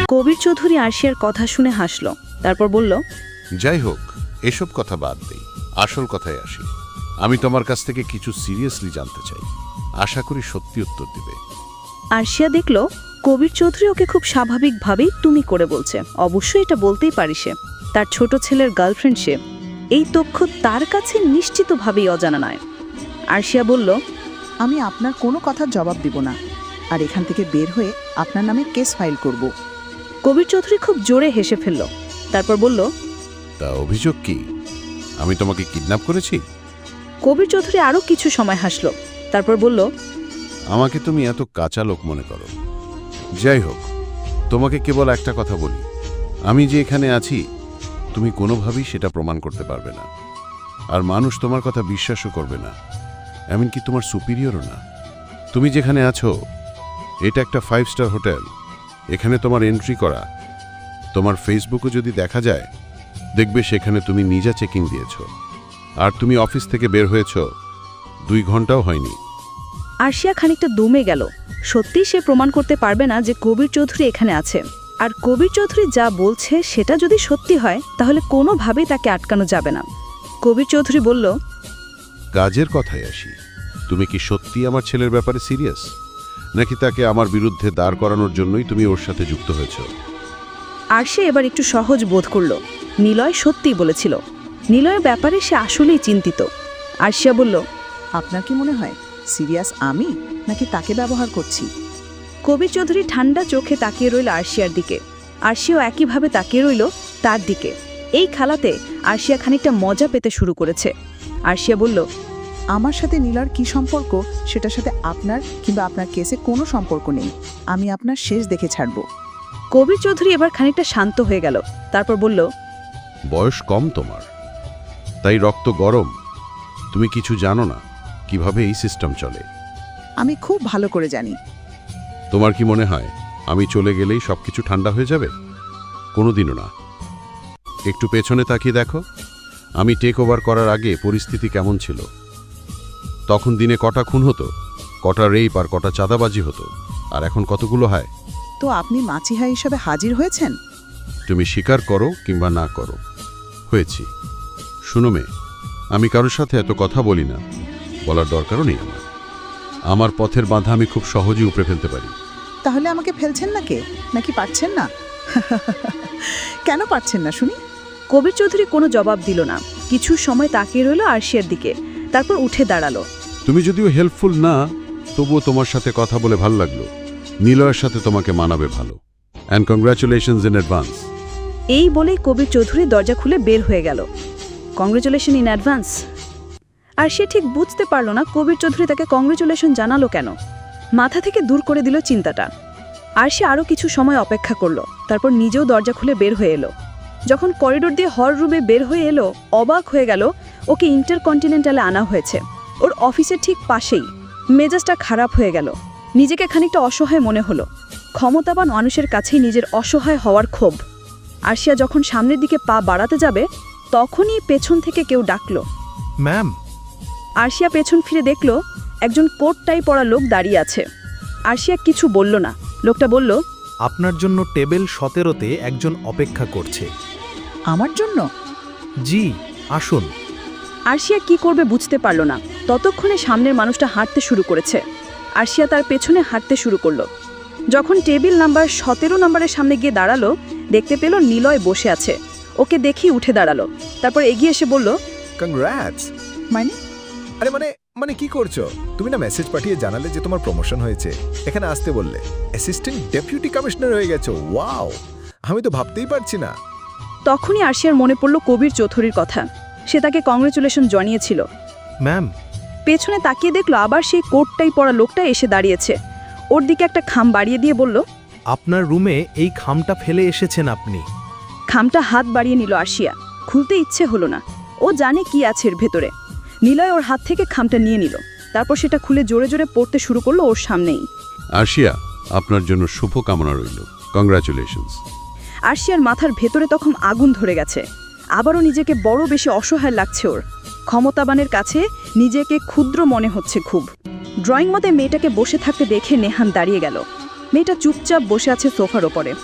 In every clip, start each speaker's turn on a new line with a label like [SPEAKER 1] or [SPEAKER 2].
[SPEAKER 1] কবির চৌধুরী আরশিয়ার কথা শুনে হাসল, তারপর বলল,
[SPEAKER 2] যাই হোক, এসব কথা বাদ দেই, আসল কথায় আসি। আমি তোমার কাছ থেকে কিছু সিরিয়াসলি জানতে চাই। আশা করি সত্যি উত্তর দিবে।
[SPEAKER 1] আরশিয়া দেখল কবির চৌধুরী ওকে খুব স্বাভাবিকভাবেই তুমি করে বলছে। অবশ্যই এটা বলতেই পারি সে তার ছোট ছেলের গার্লফ্রেন্ড। সে এই তথ্য তার কাছে নিশ্চিতভাবেই অজানা নয়। আরশিয়া বলল,
[SPEAKER 3] আমি আপনার কোনো কথার জবাব দিব না, আর এখান থেকে বের হয়ে আপনার নামে কেস ফাইল করব।
[SPEAKER 1] কবির চৌধুরী খুব জোরে হেসে ফেলল, তারপর বলল,
[SPEAKER 2] তা অভিযোগ কি? আমি তোমাকে কিডন্যাপ করেছি?
[SPEAKER 1] কবির চৌধুরী আরও কিছু সময় হাসল, তারপর বলল,
[SPEAKER 2] আমাকে তুমি এত কাঁচা লোক মনে করো। যাই হোক, তোমাকে কেবল একটা কথা বলি, আমি যে এখানে আছি তুমি কোনোভাবেই সেটা প্রমাণ করতে পারবে না, আর মানুষ তোমার কথা বিশ্বাসও করবে না, এমনকি তোমার সুপিরিয়রও না। তুমি যেখানে আছো এটা একটা 5 স্টার হোটেল। এখানে তোমার এন্ট্রি করা, তোমার ফেসবুকে যদি দেখা যায় দেখবে সেখানে তুমি নিজে চেকিং দিয়েছ, আর তুমি অফিস থেকে বের হয়েছ 2 ঘন্টাও হয়নি।
[SPEAKER 1] আরশিয়া খানিকটা দমে গেল। সত্যি সে প্রমাণ করতে পারবে না যে কবির চৌধুরী এখানে আছে, আর কবির চৌধুরী যা বলছে সেটা যদি সত্যি হয় তাহলে কোনোভাবেই তাকে আটকানো যাবে না। কবির চৌধুরী বলল,
[SPEAKER 2] কাজের কথায় আসি, তুমি কি সত্যি আমার ছেলের ব্যাপারে সিরিয়াস, নাকি তাকে আমার বিরুদ্ধে দাঁড় করানোর জন্যই তুমি ওর সাথে যুক্ত হয়েছ?
[SPEAKER 1] আরশিয়া এবার একটু সহজ বোধ করল। নিলয় সত্যিই বলেছিল। নিলয়ের ব্যাপারে সে আসলেই চিন্তিত। আরশিয়া বলল,
[SPEAKER 3] আপনার কি মনে হয় সিরিয়াস আমি, নাকি তাকে ব্যবহার করছি?
[SPEAKER 1] কবির চৌধুরী ঠান্ডা চোখে তাকিয়ে রইল আরশিয়ার দিকে। আরশিয়াও একইভাবে তাকিয়ে রইল তার দিকে। এই খেলাতে আরশিয়া খানিকটা মজা পেতে শুরু করেছে। আরশিয়া বলল,
[SPEAKER 3] আমার সাথে নীলার কি সম্পর্ক সেটার সাথে আপনার কিংবা আপনার কেসে কোনো সম্পর্ক নেই। আমি আপনার শেষ দেখে ছাড়ব।
[SPEAKER 1] কবির চৌধুরী এবার খানিকটা শান্ত হয়ে গেল, তারপর বলল,
[SPEAKER 2] বয়স কম তোমার, তাই রক্ত গরম। তুমি কিছু জানো না কিভাবে এই সিস্টেম চলে।
[SPEAKER 3] আমি খুব ভালো করে জানি।
[SPEAKER 2] তোমার কি মনে হয় আমি চলে গেলেই সবকিছু ঠান্ডা হয়ে যাবে? কোনোদিনও না। একটু পেছনে তাকিয়ে দেখো, আমি টেক ওভার করার আগে পরিস্থিতি কেমন ছিল। তখন দিনে কটা খুন হতো, কটা রেপ আর কটা চাঁদাবাজি হতো, আর এখন কতগুলো হয়।
[SPEAKER 3] তো আপনি মাছিহা হিসাবে হাজির হয়েছেন।
[SPEAKER 2] তুমি স্বীকার করো কিংবা না করো, হয়েছি। শুনো মেয়ে, আমি কারোর সাথে এত কথা বলি না, বলার দরকারও নেই আমার। আমার পথের বাধা আমি খুব সহজেই উপড়ে ফেলতে পারি।
[SPEAKER 3] তাহলে আমাকে ফেলছেন না কে, নাকি পারছেন না? কেন পারছেন না শুনি?
[SPEAKER 1] কবির চৌধুরী কোনো জবাব দিল না। কিছু সময় তাকিয়ে রইল আরশিয়ার দিকে, তারপর উঠে দাঁড়ালো।
[SPEAKER 2] তুমি যদিও হেল্পফুল না, তবুও তোমার সাথে কথা বলে ভালো লাগলো। নিলয়ের সাথে তোমাকে মানাবে ভালো। And congratulations in advance.
[SPEAKER 1] এই বলেই কবির চৌধুরী দরজা খুলে বের হয়ে গেল। Congratulation in advance. আর সে ঠিক বুঝতে পারল না কবির চৌধুরী তাকে কংগ্রেচুলেশন জানালো কেন। মাথা থেকে দূর করে দিল চিন্তাটা। আর সে আরও কিছু সময় অপেক্ষা করল, তারপর নিজেও দরজা খুলে বের হয়ে এলো। যখন করিডোর দিয়ে হল রুমে বের হয়ে এলো, অবাক হয়ে গেল ওকে ইন্টারকন্টিনেন্টালে আনা হয়েছে, ওর অফিসের ঠিক পাশেই। মেজাজটা খারাপ হয়ে গেল, নিজেকে খানিকটা অসহায় মনে হলো। ক্ষমতাবান মানুষের কাছেই নিজের অসহায় হওয়ার ক্ষোভ। আরশিয়া যখন সামনের দিকে পা বাড়াতে যাবে তখনই পেছন থেকে কেউ ডাকল,
[SPEAKER 4] ম্যাম।
[SPEAKER 1] আরশিয়া পেছন ফিরে দেখল একজন কোট টাই পরা লোক দাঁড়িয়ে আছে। আরশিয়া কিছু বলল না। লোকটা বলল,
[SPEAKER 4] আপনার জন্য টেবিল 17-তে একজন অপেক্ষা করছে।
[SPEAKER 3] আমার জন্য?
[SPEAKER 4] জি, আসুন।
[SPEAKER 1] আরশিয়া কি করবে বুঝতে পারল না। ততক্ষণে সামনের মানুষটা হাঁটতে শুরু করেছে। আরশিয়া তার পেছনে হাঁটতে শুরু করল। যখন টেবিল নাম্বার 17 নম্বরের সামনে গিয়ে দাঁড়ালো, দেখতে পেল নিলয় বসে আছে। ওকে দেখি উঠে দাঁড়ালো, তারপর এগিয়ে এসে বলল,
[SPEAKER 5] কংগ্রাটস।
[SPEAKER 3] মানে?
[SPEAKER 5] আরে মানে কি করছো? তুমি না মেসেজ পাঠিয়ে জানালে যে তোমার প্রমোশন হয়েছে, এখানে আসতে বললে, অ্যাসিস্ট্যান্ট ডেপুটি কমিশনার হয়ে গেছো। ওয়াও, আমি তো ভাবতেই পারছি না।
[SPEAKER 1] তখনই আরশিয়ার মনে পড়ল কবির চৌধুরীর কথা। সে তাকে কংগ্রেচুলেশন জানিয়েছিল।
[SPEAKER 4] ম্যাম।
[SPEAKER 1] পেছনে তাকিয়ে দেখলো আবার সেই কোটটাই পরা লোকটা এসে দাঁড়িয়েছে। ওর দিকে একটা খাম বাড়িয়ে দিয়ে বলল,
[SPEAKER 4] আপনার রুমে এই খামটা ফেলে এসেছেন আপনি।
[SPEAKER 1] খামটা হাত বাড়িয়ে নিল আরশিয়া। খুলতে ইচ্ছে হলো না, ও জানে কি আছে এর ভেতরে। নিলয় ওর হাত থেকে খামটা নিয়ে নিল, তারপর সেটা খুলে জোরে জোরে পড়তে শুরু করলো ওর সামনেই।
[SPEAKER 2] আরশিয়া, আপনার জন্য শুভ কামনা রইল। কংগ্রাচুলেশনস।
[SPEAKER 1] আরশিয়ার মাথার ভেতরে তখন আগুন ধরে গেছে। আবারও নিজেকে বড় বেশি অসহায় লাগছে ওর। ক্ষমতাবানের কাছে নিজেকে ক্ষুদ্র মনে হচ্ছে খুব। ড্রয়িং মতে মেয়েটাকে বসে থাকতে দেখে নেহান দাঁড়িয়ে গেল। মেয়েটা চুপচাপ বসে আছে সোফার ওপরে।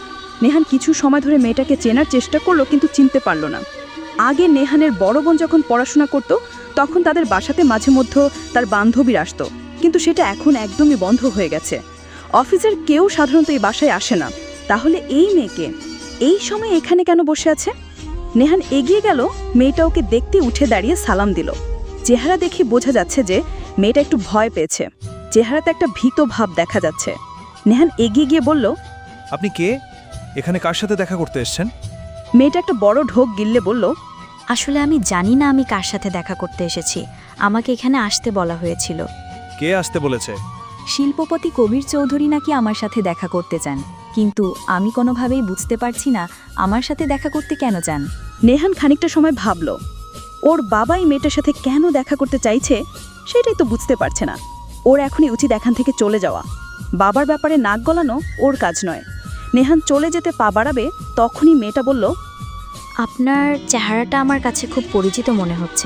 [SPEAKER 1] নেহান কিছু সময় ধরে মেয়েটাকে চেনার চেষ্টা করলো কিন্তু চিনতে পারল না। আগে নেহানের বড় বোন যখন পড়াশোনা করত তখন তাদের বাসাতে মাঝে মধ্যে তার বান্ধবীর আসতো, কিন্তু সেটা এখন একদমই বন্ধ হয়ে গেছে। অফিসের কেউ সাধারণত এই বাসায় আসে না। তাহলে এই মেয়েকে এই সময় এখানে কেন বসে আছে? নেহান এগিয়ে গেল, মেয়েটা ওকে দেখতে উঠে দাঁড়িয়ে সালাম দিল। চেহারা দেখে বোঝা যাচ্ছে যে মেয়েটা একটু ভয় পেয়েছে, চেহারাতে একটা ভীত ভাব দেখা যাচ্ছে। নেহান এগিয়ে গিয়ে বলল,
[SPEAKER 6] আপনি কে? এখানে কার সাথে দেখা করতে এসেছেন?
[SPEAKER 1] মেয়েটা একটা বড় ঢোক গিললে বলল,
[SPEAKER 7] আসলে আমি জানি না আমি কার সাথে দেখা করতে এসেছি, আমাকে এখানে আসতে বলা হয়েছিল।
[SPEAKER 6] কে আসতে বলেছে?
[SPEAKER 7] শিল্পপতি কবির চৌধুরী নাকি আমার সাথে দেখা করতে চান, কিন্তু আমি কোনোভাবেই বুঝতে পারছি না আমার সাথে দেখা করতে কেন চান।
[SPEAKER 1] নেহান খানিকটা সময় ভাবল, ওর বাবাই মেয়েটার সাথে কেন দেখা করতে চাইছে সেটাই তো বুঝতে পারছে না। ওর এখনই উচিত এখান থেকে চলে যাওয়া। বাবার ব্যাপারে নাক গলানো ওর কাজ নয়। নেহান চলে যেতে পা বাড়াবে, তখনই মেয়েটা বলল,
[SPEAKER 7] আপনার চেহারাটা আমার কাছে খুব পরিচিত মনে হচ্ছে।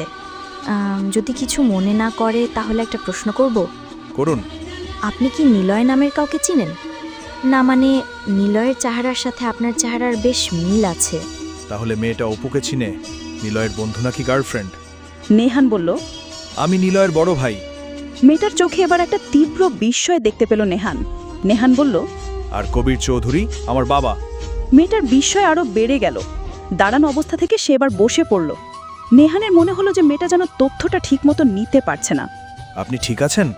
[SPEAKER 7] যদি কিছু মনে না করে তাহলে একটা প্রশ্ন করব।
[SPEAKER 6] করুন।
[SPEAKER 7] আপনি কি নিলয় নামের কাউকে চিনেন? না মানে নিলয়ের চেহারার সাথে আপনার চেহারার বেশ মিল আছে।
[SPEAKER 6] তাহলে মেয়েটা অপুকে চিনে? নিলয়ের বন্ধু নাকি গার্লফ্রেন্ড?
[SPEAKER 1] নেহান বলল,
[SPEAKER 6] আমি নিলয়ের বড় ভাই।
[SPEAKER 1] মেয়েটার চোখে এবার একটা তীব্র বিস্ময় দেখতে পেল নেহান। নেহান বলল,
[SPEAKER 6] আর কবির চৌধুরী আমার বাবা।
[SPEAKER 1] মেয়েটার বিস্ময় আরও বেড়ে গেল। দাঁড়ানো অবস্থা থেকে সে এবার বসে পড়ল। নেহানের মনে হলো যে মেয়েটা যেন তথ্যটা ঠিকমতো নিতে পারছে না।
[SPEAKER 6] আপনি ঠিক আছেন?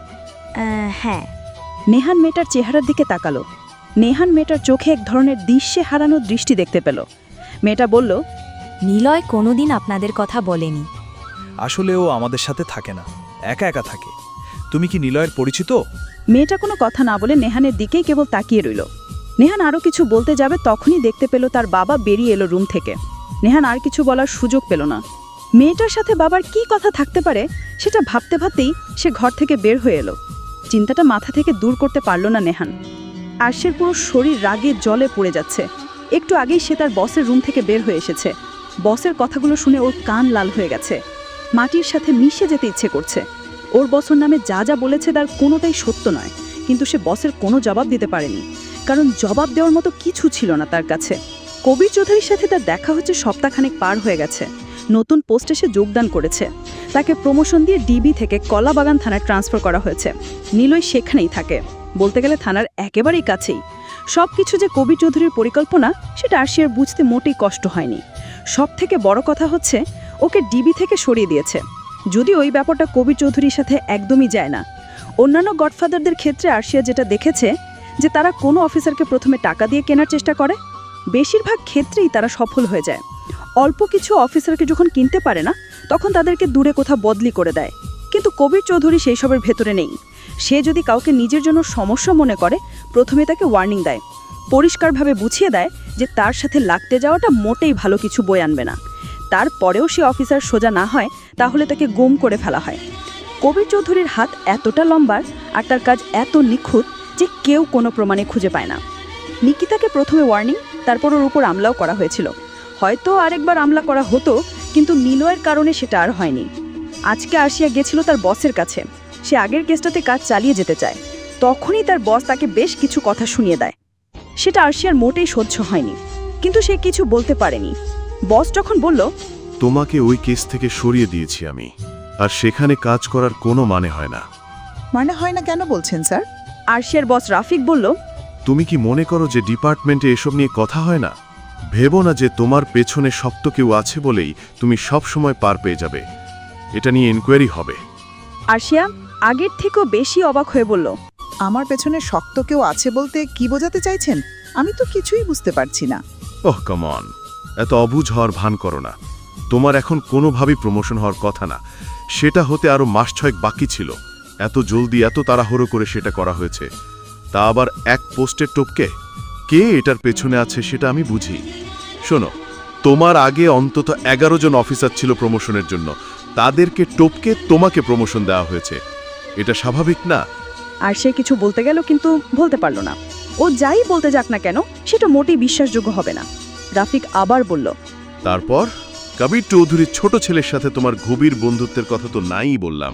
[SPEAKER 7] হ্যাঁ।
[SPEAKER 1] নেহান মেয়েটার চেহারার দিকে তাকালো। নেহান মেয়েটার চোখে এক ধরনের দিশে হারানো দৃষ্টি দেখতে পেল। মেয়েটা বলল,
[SPEAKER 7] নিলয় কোনোদিন আপনাদের কথা বলেনি।
[SPEAKER 6] আসলে ও আমাদের সাথে থাকে না, একা একা থাকে। তুমি কি নিলয়ের পরিচিত?
[SPEAKER 1] মেয়েটা কোনো কথা না বলে নেহানের দিকেই কেবল তাকিয়ে রইল। নেহান আরও কিছু বলতে যাবে, তখনই দেখতে পেল তার বাবা বেরিয়ে এলো রুম থেকে। নেহান আর কিছু বলার সুযোগ পেল না। মেয়েটার সাথে বাবার কি কথা থাকতে পারে সেটা ভাবতে ভাবতেই সে ঘর থেকে বের হয়ে এলো। চিন্তাটা মাথা থেকে দূর করতে পারল না নেহান। আরশের পুরো শরীর রাগে জলে পড়ে যাচ্ছে। একটু আগেই সে তার বসের রুম থেকে বের হয়ে এসেছে। বসের কথাগুলো শুনে ওর কান লাল হয়ে গেছে। মাটির সাথে মিশে যেতে ইচ্ছে করছে। ওর বসের নামে যা যা বলেছে তার কোনোটাই সত্য নয়, কিন্তু সে বসের কোনো জবাব দিতে পারেনি, কারণ জবাব দেওয়ার মতো কিছু ছিল না তার কাছে। কবির চৌধুরীর সাথে তার দেখা হচ্ছে সপ্তাহখানেক পার হয়ে গেছে। নতুন পোস্টে সে যোগদান করেছে। তাকে প্রমোশন দিয়ে ডিবি থেকে কলাবাগান থানায় ট্রান্সফার করা হয়েছে। নিলয় সেখানেই থাকে, বলতে গেলে থানার একেবারেই কাছেই। সব কিছু যে কবির চৌধুরীর পরিকল্পনা সেটা আরশিয়ার বুঝতে মোটেই কষ্ট হয়নি। সব থেকে বড় কথা হচ্ছে ওকে ডিবি থেকে সরিয়ে দিয়েছে। যদি ওই ব্যাপারটা কবির চৌধুরীর সাথে একদমই যায় না। অন্যান্য গডফাদারদের ক্ষেত্রে আরশিয়া যেটা দেখেছে যে তারা কোনো অফিসারকে প্রথমে টাকা দিয়ে কেনার চেষ্টা করে, বেশিরভাগ ক্ষেত্রেই তারা সফল হয়ে যায়। অল্প কিছু অফিসারকে যখন কিনতে পারে না তখন তাদেরকে দূরে কোথাও বদলি করে দেয়। কিন্তু কবির চৌধুরী সেই সবের ভেতরে নেই। সে যদি কাউকে নিজের জন্য সমস্যা মনে করে প্রথমে তাকে ওয়ার্নিং দেয়, পরিষ্কারভাবে বুঝিয়ে দেয় যে তার সাথে লাগতে যাওয়াটা মোটেই ভালো কিছু বয়ে আনবে না। তারপরেও সে অফিসার সোজা না হয় তাহলে তাকে গুম করে ফেলা হয়। কবির চৌধুরীর হাত এতটা লম্বা আর তার কাজ এত নিখুঁত যে কেউ কোনো প্রমাণে খুঁজে পায় না। নিকিতাকে প্রথমে ওয়ার্নিং, তারপর ওর উপর আমলাও করা হয়েছিল। হয়তো আরেকবার আমলা করা হতো, কিন্তু নিলয়ের কারণে সেটা আর হয়নি। আজকে আরশিয়া গেছিল তার বসের কাছে। সে আগের কেসটাতে কাজ চালিয়ে যেতে চায়। তখনই তার বস তাকে বেশ কিছু কথা শুনিয়ে দেয়। সেটা আরশিয়ার মোটেই সহ্য হয়নি, কিন্তু সে কিছু বলতে পারেনি। বস যখন বলল,
[SPEAKER 2] তোমাকে ওই কেস থেকে সরিয়ে দিয়েছি আমি, আর সেখানে কাজ করার কোনো মানে হয় না।
[SPEAKER 3] মানে হয় না কেন বলছেন স্যার?
[SPEAKER 1] আরশিয়ার বস রাফিক বলল,
[SPEAKER 2] তুমি কি মনে করো যে ডিপার্টমেন্টে এসব নিয়ে কথা হয় না? ভেবো না যে তোমার পেছনে শক্ত কেউ আছে বলেই তুমি সব সময় পার পেয়ে যাবে। এটা নিয়ে এনকোয়ারি হবে।
[SPEAKER 1] আরশিয়া আগের থেকেও বেশি অবাক হয়ে বলল,
[SPEAKER 3] আমার পেছনে শক্ত কেউ আছে বলতে কি বোঝাতে চাইছেন? আমি তো কিছুই বুঝতে পারছি না।
[SPEAKER 2] ওহ কাম অন, এত অবুঝ হওয়ার ভান করো না। তোমার এখন কোনোভাবেই প্রমোশন হওয়ার কথা না। সেটা হতে আরও মাস 6 বাকি ছিল। এত জলদি এত তাড়াহুড়ো করে সেটা করা হয়েছে, তা আবার এক পোস্টের টপকে। কে এটার পেছনে আছে সেটা আমি বুঝি। শোনো, তোমার আগে অন্তত 11 জন অফিসার ছিল প্রমোশনের জন্য। তাদেরকে টপকে তোমাকে প্রমোশন দেওয়া হয়েছে। এটা স্বাভাবিক না?
[SPEAKER 1] আর সে কিছু বলতে গেল কিন্তু বলতে পারল না। ও যাই বলতে যাক না কেন সেটা মোটেই বিশ্বাসযোগ্য হবে না। রাফিক আবার বলল,
[SPEAKER 2] তারপর কবির চৌধুরীর ছোট ছেলের সাথে তোমার গভীর বন্ধুত্বের কথা তো নাই বললাম।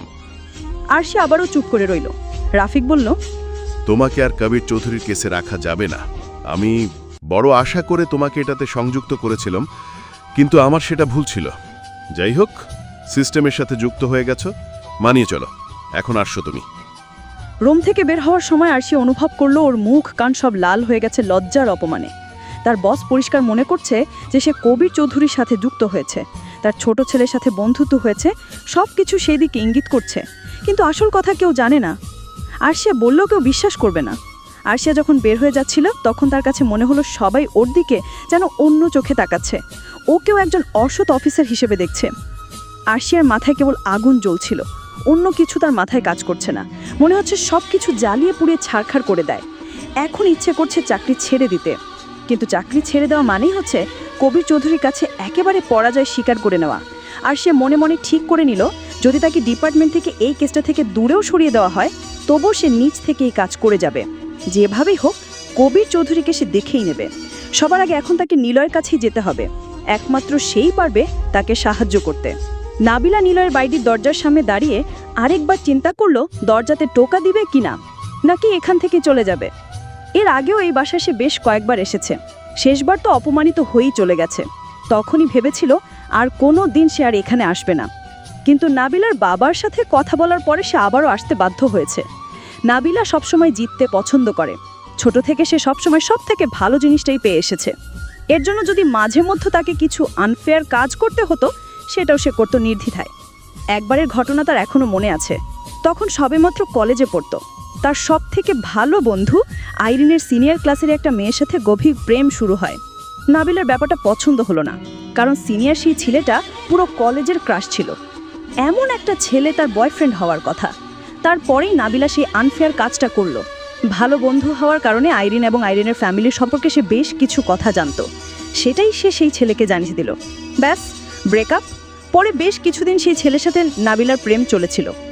[SPEAKER 1] আর সে আবারও চুপ করে রইল। রাফিক বলল,
[SPEAKER 2] তোমাকে আর কবির চৌধুরীর কেসে রাখা যাবে না। আমি বড় আশা করে তোমাকে এটাতে সংযুক্ত করেছিলাম, কিন্তু আমার সেটা ভুল ছিল। যাই হোক, সিস্টেমের সাথে যুক্ত হয়ে গেছো, মানিয়ে চলো। এখন আসছো তুমি।
[SPEAKER 1] রুম থেকে বের হওয়ার সময় আরশি অনুভব করলো ওর মুখ কান সব লাল হয়ে গেছে লজ্জার অপমানে। তার বস পরিষ্কার মনে করছে যে সে কবির চৌধুরীর সাথে যুক্ত হয়েছে, তার ছোট ছেলের সাথে বন্ধুত্ব হয়েছে, সব কিছু সেই দিকে ইঙ্গিত করছে। কিন্তু আসল কথা কেউ জানে না। আরশিয়া বললেও কেউ বিশ্বাস করবে না। আরশিয়া যখন বের হয়ে যাচ্ছিল তখন তার কাছে মনে হলো সবাই ওর দিকে যেন অন্য চোখে তাকাচ্ছে, ওকেও একজন অসৎ অফিসার হিসেবে দেখছে। আরশিয়ার মাথায় কেবল আগুন জ্বলছিল, অন্য কিছু তার মাথায় কাজ করছে না। মনে হচ্ছে সব কিছু জ্বালিয়ে পুড়িয়ে ছারখাড় করে দেয়। এখন ইচ্ছে করছে চাকরি ছেড়ে দিতে, কিন্তু চাকরি ছেড়ে দেওয়া মানেই হচ্ছে কবির চৌধুরীর কাছে একেবারে পরাজয় স্বীকার করে নেওয়া। আর সে মনে মনে ঠিক করে নিল, যদি তাকে ডিপার্টমেন্ট থেকে এই কেসটা থেকে দূরেও সরিয়ে দেওয়া হয়, তবুও সে নিজ থেকে এই কাজ করে যাবে। যেভাবেই হোক কবির চৌধুরীকে সে দেখেই নেবে। সবার আগে এখন তাকে নিলয়ের কাছেই যেতে হবে, একমাত্র সেই পারবে তাকে সাহায্য করতে। নাবিলা নিলয়ের বাড়ির দরজার সামনে দাঁড়িয়ে আরেকবার চিন্তা করলো দরজাতে টোকা দিবে কিনা, নাকি এখান থেকে চলে যাবে। এর আগেও এই বাসায় সে বেশ কয়েকবার এসেছে, শেষবার তো অপমানিত হয়েই চলে গেছে। তখনই ভেবেছিল আর কোনো দিন সে আর এখানে আসবে না। কিন্তু নাবিলার বাবার সাথে কথা বলার পরে সে আবারও আসতে বাধ্য হয়েছে। নাবিলা সবসময় জিততে পছন্দ করে, ছোট থেকে সে সবসময় সব থেকে ভালো জিনিসটাই পেয়ে এসেছে। এর জন্য যদি মাঝে মধ্যে তাকে কিছু আনফেয়ার কাজ করতে হতো, সেটাও সে করতো নির্দ্বিধায়। একবারের ঘটনা তার এখনও মনে আছে। তখন সবেমাত্র কলেজে পড়তো, তার সব থেকে ভালো বন্ধু আইরিনের সিনিয়র ক্লাসের একটা মেয়ের সাথে গভীর প্রেম শুরু হয়। নাবিলার ব্যাপারটা পছন্দ হলো না, কারণ সিনিয়র সেই ছেলেটা পুরো কলেজের ক্রাশ ছিল। এমন একটা ছেলে তার বয়ফ্রেন্ড হওয়ার কথা। তারপরেই নাবিলা সেই আনফেয়ার কাজটা করলো। ভালো বন্ধু হওয়ার কারণে আইরিন এবং আইরিনের ফ্যামিলির সম্পর্কে সে বেশ কিছু কথা জানতো, সেটাই সে সেই ছেলেকে জানিয়ে দিল। ব্যাস, ব্রেকআপ। পরে বেশ কিছুদিন সেই ছেলের সাথে নাবিলার প্রেম চলেছিল।